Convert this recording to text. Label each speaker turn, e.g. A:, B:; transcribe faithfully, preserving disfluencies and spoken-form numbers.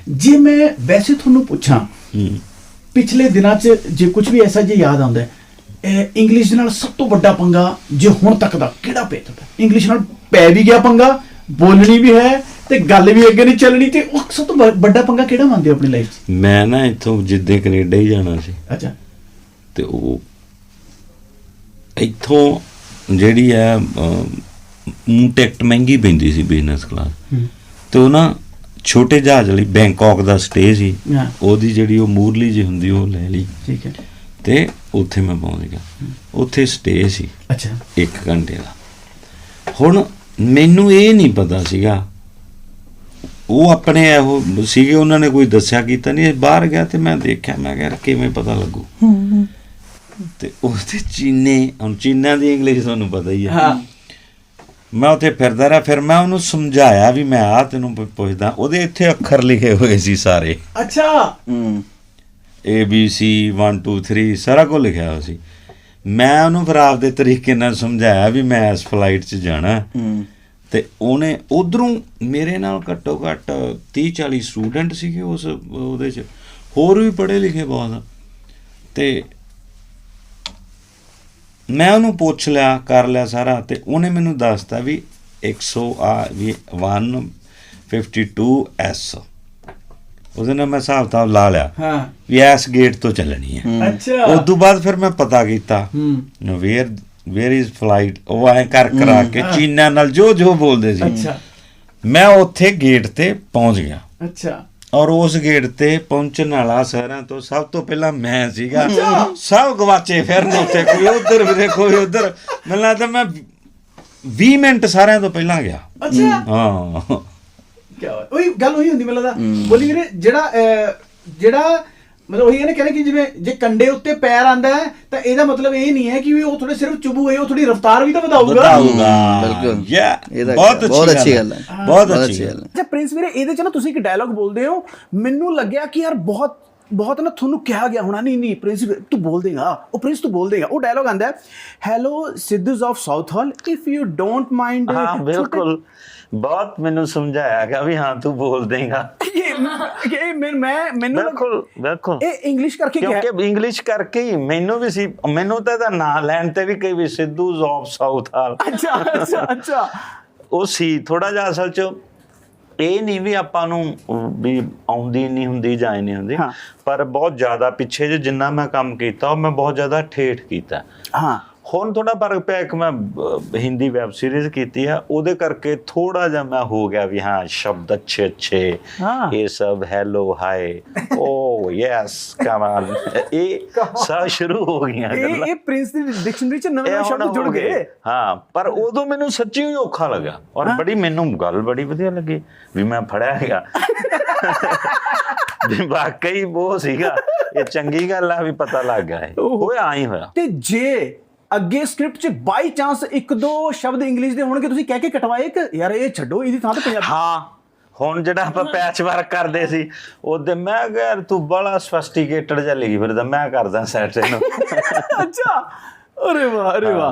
A: जे मैं वैसे थोनू पूछा पिछले दिनों च जे कुछ भी ऐसा जे याद आंदा है इंग्लिश नाल सब तो बड़ा पंगा जे हुण तक दा किहड़ा पिया तुहाडा इंग्लिश नाल पै भी गया पंगा बोलनी भी है ते गल भी अगे नहीं चलनी ते उह सब तो बड़ा पंगा किहड़ा मानदे हो अपनी लाइफ च?
B: मैं ना इत्थों जिद्दे कनेडा ही जाना सी
A: अच्छा
B: ते ओह इत्थों ਜਿਹੜੀ ਹੈ ਟਿਕਟ ਮਹਿੰਗੀ ਪੈਂਦੀ ਸੀ ਬਿਜ਼ਨਸ ਕਲਾਸ ਤੇ ਉਹ ਨਾ ਛੋਟੇ ਜਹਾਜ਼ ਲਈ ਬੈਂਕਾਕ ਦਾ ਸਟੇ ਸੀ ਉਹਦੀ ਜਿਹੜੀ ਉਹ ਮੂਰਲੀ ਜੀ ਹੁੰਦੀ ਉਹ ਲੈ ਲਈ
A: ਠੀਕ ਹੈ
B: ਤੇ ਉੱਥੇ ਮੈਂ ਪਹੁੰਚ ਗਿਆ ਉੱਥੇ ਸਟੇ ਸੀ
A: ਅੱਛਾ
B: ਇੱਕ ਘੰਟੇ ਦਾ ਹੁਣ ਮੈਨੂੰ ਇਹ ਨਹੀਂ ਪਤਾ ਸੀਗਾ ਉਹ ਆਪਣੇ ਇਹੋ ਸੀਗੇ ਉਹਨਾਂ ਨੇ ਕੋਈ ਦੱਸਿਆ ਕੀਤਾ ਨਹੀਂ ਬਾਹਰ ਗਿਆ ਤੇ ਮੈਂ ਦੇਖਿਆ ਮੈਂ ਕਿਹਾ ਕਿਵੇਂ ਪਤਾ ਲੱਗੂ ਤੇ ਉਹਦੇ ਚੀਨੇ ਹੁਣ ਚੀਨਾ ਦੀ ਇੰਗਲਿਸ਼ ਤੁਹਾਨੂੰ ਪਤਾ ਹੀ ਹੈ ਮੈਂ ਉੱਥੇ ਫਿਰਦਾ ਰਿਹਾ ਫਿਰ ਮੈਂ ਉਹਨੂੰ ਸਮਝਾਇਆ ਵੀ ਮੈਂ ਆ ਤੈਨੂੰ ਪੁੱਛਦਾ ਉਹਦੇ ਇੱਥੇ ਅੱਖਰ ਲਿਖੇ ਹੋਏ ਸੀ ਸਾਰੇ
A: ਅੱਛਾ
B: A B C one two three ਸਾਰਾ ਕੁਝ ਲਿਖਿਆ ਹੋਇਆ ਸੀ ਮੈਂ ਉਹਨੂੰ ਫਿਰ ਆਪਦੇ ਤਰੀਕੇ ਨਾਲ ਸਮਝਾਇਆ ਵੀ ਮੈਂ ਇਸ ਫਲਾਈਟ 'ਚ ਜਾਣਾ ਤੇ ਉਹਨੇ ਉਧਰੋਂ ਮੇਰੇ ਨਾਲ ਘੱਟੋ ਘੱਟ ਤੀਹ ਚਾਲੀ ਸਟੂਡੈਂਟ ਸੀਗੇ ਉਸ ਉਹਦੇ 'ਚ ਹੋਰ ਵੀ ਪੜ੍ਹੇ ਲਿਖੇ ਬਹੁਤ ਤੇ ਮੈਂ ਉਹਨੂੰ ਪੁੱਛ ਲਿਆ ਕਰ ਲਿਆ ਸਾਰਾ ਤੇ ਉਹਨੇ ਮੈਨੂੰ ਦੱਸਤਾ ਵੀ ਇੱਕ ਸੌ ਆ ਵੀ one fifty-two S ਉਹਦੇ ਨਾਲ ਮੈਂ ਹਿਸਾਬ ਕਿਤਾਬ ਲਾ ਲਿਆ
A: ਹਾਂ
B: ਵੀ ਇਸ ਗੇਟ ਤੋਂ ਚੱਲਣੀ ਹੈ
A: ਅੱਛਾ
B: ਉਸ ਤੋਂ ਬਾਅਦ ਫਿਰ ਮੈਂ ਪਤਾ ਕੀਤਾ ਵੇਅਰ ਵੇਅਰ ਇਜ਼ ਫਲਾਈਟ ਉਹ ਐਂ ਕਰ ਕਰਾ ਕੇ ਚੀਨਾ ਨਾਲ ਜੋ ਜੋ ਬੋਲਦੇ ਸੀ
A: ਅੱਛਾ
B: ਮੈਂ ਉੱਥੇ ਗੇਟ ਤੇ ਪਹੁੰਚ ਗਿਆ
A: ਅੱਛਾ
B: ਔਰ ਉਸ ਗੇਟ ਤੇ ਪਹੁੰਚਣ ਵਾਲਾ ਸ਼ਹਿਰਾਂ ਤੋਂ ਸਭ ਤੋਂ ਪਹਿਲਾਂ ਮੈਂ ਸੀਗਾ ਸਭ ਗਵਾਚੇ ਫਿਰਨ ਉੱਤੇ ਕੋਈ ਉਧਰ ਵੀ ਕੋਈ ਉਧਰ ਮੈਨੂੰ ਲੱਗਦਾ ਮੈਂ ਵੀਹ ਮਿੰਟ ਸਾਰਿਆਂ ਤੋਂ ਪਹਿਲਾਂ ਗਿਆ
A: ਅੱਛਾ
B: ਹਾਂ
A: ਕੀ ਉਹੀ ਗੱਲ ਉਹੀ ਹੁੰਦੀ ਮੈਨੂੰ ਲੱਗਦਾ ਬੋਲੀ ਵੀਰੇ ਜਿਹੜਾ ਜਿਹੜਾ ਮਤਲਬ ਉਹੀ ਹੈ ਨਾ ਕਹਿੰਦੇ ਕਿ ਜਿਵੇਂ ਜੇ ਕੰਡੇ ਉੱਤੇ ਪੈਰ ਆਂਦਾ ਹੈ ਤਾਂ ਇਹਦਾ ਮਤਲਬ ਇਹ ਨਹੀਂ ਹੈ ਕਿ ਉਹ ਥੋੜੇ ਸਿਰਫ ਚੁਬੂ ਹੈ ਉਹ ਥੋੜੀ ਰਫ਼ਤਾਰ ਵੀ ਤਾਂ ਵਧਾਊਗਾ
B: ਵਧਾਊਗਾ
C: ਬਿਲਕੁਲ
B: ਯਾ
C: ਬਹੁਤ
B: ਬਹੁਤ ਅੱਛੀ ਗੱਲ ਹੈ ਬਹੁਤ ਅੱਛੀ ਗੱਲ
A: ਅੱਛਾ ਪ੍ਰਿੰਸ ਵੀਰੇ ਇਹਦੇ ਚ ਨਾ ਤੁਸੀਂ ਇੱਕ ਡਾਇਲੌਗ ਬੋਲਦੇ ਹੋ ਮੈਨੂੰ ਲੱਗਿਆ ਕਿ ਯਾਰ ਬਹੁਤ ਬਹੁਤ ਨਾ ਤੁਹਾਨੂੰ ਕਿਹਾ ਗਿਆ ਹੋਣਾ ਨਹੀਂ ਨਹੀਂ ਪ੍ਰਿੰਸ ਤੂੰ ਬੋਲ ਦੇਗਾ ਉਹ ਪ੍ਰਿੰਸ ਤੂੰ ਬੋਲ ਦੇਗਾ ਉਹ ਡਾਇਲੌਗ ਆਂਦਾ hello Sidhus of Southall if you don't mind
B: ਹਾਂ ਬਿਲਕੁਲ ਬਹੁਤ ਮੈਨੂੰ ਸਮਝਾਇਆ ਗਿਆ ਵੀ ਹਾਂ ਤੂੰ ਬੋਲ ਦੇਗਾ
A: ਇਹ ਮੈਂ ਮੈਨੂੰ
B: ਬਿਲਕੁਲ ਬਿਲਕੁਲ
A: ਇਹ ਇੰਗਲਿਸ਼ ਕਰਕੇ ਕਿਹਾ
B: ਕਿਉਂਕਿ ਇੰਗਲਿਸ਼ ਕਰਕੇ ਹੀ ਮੈਨੂੰ ਵੀ ਸੀ ਮੈਨੂੰ ਤਾਂ ਇਹਦਾ ਨਾਂ ਲੈਣ ਤੇ ਵੀ ਕਈ ਵੀ ਸਿੱਧੂਜ਼ ਆਫ ਸਾਊਥ ਹਾਲ
A: ਅੱਛਾ ਅੱਛਾ ਅੱਛਾ
B: ਉਹ ਸੀ ਥੋੜਾ ਜਿਹਾ ਅਸਲ 'ਚ ਇਹ ਨਹੀਂ ਵੀ ਆਪਾਂ ਨੂੰ ਵੀ ਆਉਂਦੀ ਨਹੀਂ ਹੁੰਦੀ ਜਾਂ ਨਹੀਂ ਹੁੰਦੀ ਪਰ ਬਹੁਤ ਜ਼ਿਆਦਾ ਪਿੱਛੇ ਜੇ ਜਿੰਨਾ ਮੈਂ ਕੰਮ ਕੀਤਾ ਉਹ ਮੈਂ ਬਹੁਤ ਜ਼ਿਆਦਾ ਠੇਠ ਕੀਤਾ
A: ਹਾਂ ਹੁਣ
B: ਥੋੜਾ ਫਰਕ ਪਿਆ ਇੱਕ ਮੈਂ ਹਿੰਦੀ ਵੈਬ ਸੀਰੀਜ਼ ਕੀਤੀ ਆ ਉਹਦੇ ਕਰਕੇ ਥੋੜਾ ਜਿਹਾ ਮੈਂ ਹੋ ਗਿਆ ਵੀ ਹਾਂ ਸ਼ਬਦ ਅੱਛੇ ਅੱਛੇ ਇਹ ਸਭ ਹੈਲੋ ਹਾਈ ਓ ਯੈਸ ਕਮਾਲ ਇਹ ਸਭ ਸ਼ੁਰੂ ਹੋ ਗਈਆਂ
A: ਇਹ ਇਹ ਪ੍ਰਿੰਸ ਦੀ ਡਿਕਸ਼ਨਰੀ ਚ ਨਵੇਂ ਸ਼ਬਦ ਜੁੜ ਗਏ ਹਾਂ
B: ਪਰ ਉਦੋਂ ਮੈਨੂੰ ਸੱਚੀ ਹੀ ਔਖਾ ਲੱਗਾ ਔਰ ਬੜੀ ਮੈਨੂੰ ਗੱਲ ਬੜੀ ਵਧੀਆ ਲੱਗੀ ਵੀ ਮੈਂ ਫੜਿਆ ਗਿਆ ਵੀ ਵਾਕਈ ਉਹ ਸੀਗਾ ਇਹ ਚੰਗੀ ਗੱਲ ਆ ਵੀ ਪਤਾ ਲੱਗ ਗਿਆ ਹੋਇਆ ਆਈ ਹੋਇਆ
A: ਤੇ ਜੇ ਅੱਗੇ ਸਕ੍ਰਿਪਟ 'ਚ ਬਾਈ ਚਾਂਸ ਇੱਕ ਦੋ ਸ਼ਬਦ ਇੰਗਲਿਸ਼ ਦੇ ਹੋਣਗੇ ਤੁਸੀਂ ਕਹਿ ਕੇ ਕਟਵਾਏ ਕਿ ਯਾਰ ਇਹ ਛੱਡੋ ਇਹਦੀ ਥਾਂ ਤੇ ਪੰਜਾਬੀ
B: ਹਾਂ ਹੁਣ ਜਿਹੜਾ ਆਪਾਂ ਪੈਚ ਵਰਕ ਕਰਦੇ ਸੀ ਉਹਦੇ ਮੈਂ ਕਿਹਾ ਯਾਰ ਤੂੰ ਬੜਾ ਸਫਿਸਟੀਕੇਟਡ ਜਿਹਾ ਲਿਖੀ ਫਿਰਦਾ ਮੈਂ ਕਰਦਾ ਸੈਟ ਇਹਨੂੰ
A: ਅੱਛਾ ਅਰੇ ਵਾਹ ਅਰੇ ਵਾਹ